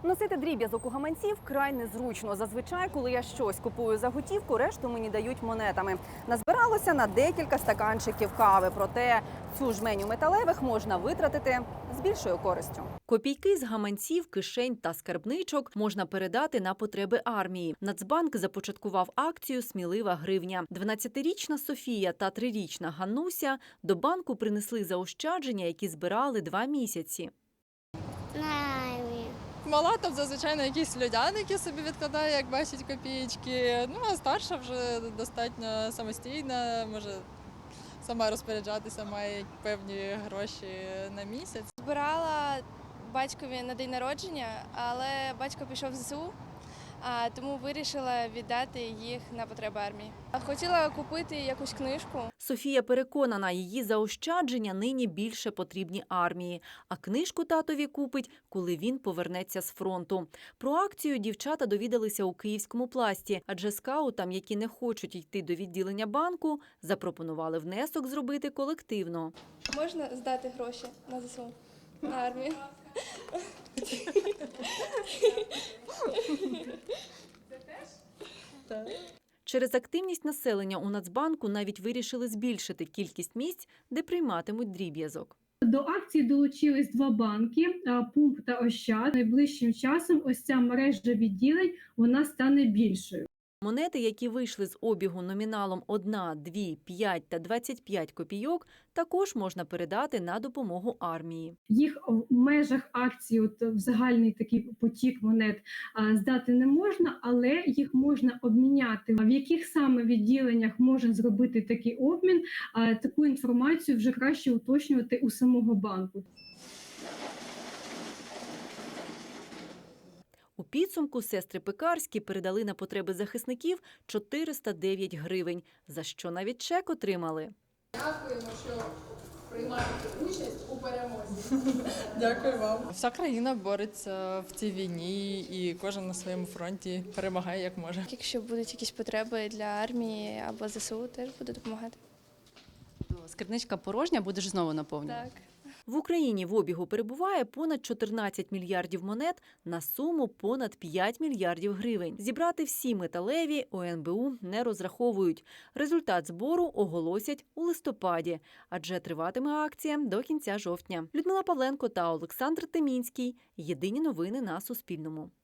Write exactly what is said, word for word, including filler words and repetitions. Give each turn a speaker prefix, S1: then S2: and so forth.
S1: Носити дріб'язок у гаманці вкрай незручно. Зазвичай, коли я щось купую за готівку, решту мені дають монетами. Назбиралося на декілька стаканчиків кави. Проте цю жменю металевих можна витратити з більшою користю.
S2: Копійки з гаманців, кишень та скарбничок можна передати на потреби армії. Нацбанк започаткував акцію «Смілива гривня». дванадцятирічна Софія та трирічна Ганнуся до банку принесли заощадження, які збирали два місяці.
S3: Мала там зазвичай на якісь льодяники собі відкладає, як бачить копієчки. Ну, а старша вже достатньо самостійна, може сама розпоряджатися, має певні гроші на місяць.
S4: Збирала батькові на день народження, але батько пішов в ЗСУ, а тому вирішила віддати їх на потреби армії. Хотіла купити якусь книжку.
S2: Софія переконана, її заощадження нині більше потрібні армії. А книжку татові купить, коли він повернеться з фронту. Про акцію дівчата довідалися у Київському пласті, адже скаутам, які не хочуть йти до відділення банку, запропонували внесок зробити колективно.
S4: Можна здати гроші на ЗСУ, на армію?
S2: Через активність населення у Нацбанку навіть вирішили збільшити кількість місць, де прийматимуть дріб'язок.
S5: До акції долучились два банки – Пумп та Ощад. Найближчим часом ось ця мережа відділень вона стане більшою.
S2: Монети, які вийшли з обігу номіналом одна, дві, п'ять та двадцять п'ять копійок, також можна передати на допомогу армії.
S5: Їх в межах акції, от в загальний такий потік монет а, здати не можна, але їх можна обміняти. В яких саме відділеннях можна зробити такий обмін, а, таку інформацію вже краще уточнювати у самого банку.
S2: У підсумку сестри Пекарські передали на потреби захисників чотириста дев'ять гривень, за що навіть чек отримали.
S6: Дякуємо, що приймаєте участь у перемозі.
S3: Дякую вам. Вся країна бореться в цій війні і кожен на своєму фронті перемагає як може.
S4: Якщо будуть якісь потреби для армії або ЗСУ, теж буду допомагати.
S7: Скарбничка порожня, будеш знову наповнювати?
S4: Так.
S2: В Україні в обігу перебуває понад чотирнадцять мільярдів монет на суму понад п'ять мільярдів гривень. Зібрати всі металеві у ен бе у не розраховують. Результат збору оголосять у листопаді, адже триватиме акція до кінця жовтня. Людмила Павленко та Олександр Темінський. Єдині новини на Суспільному.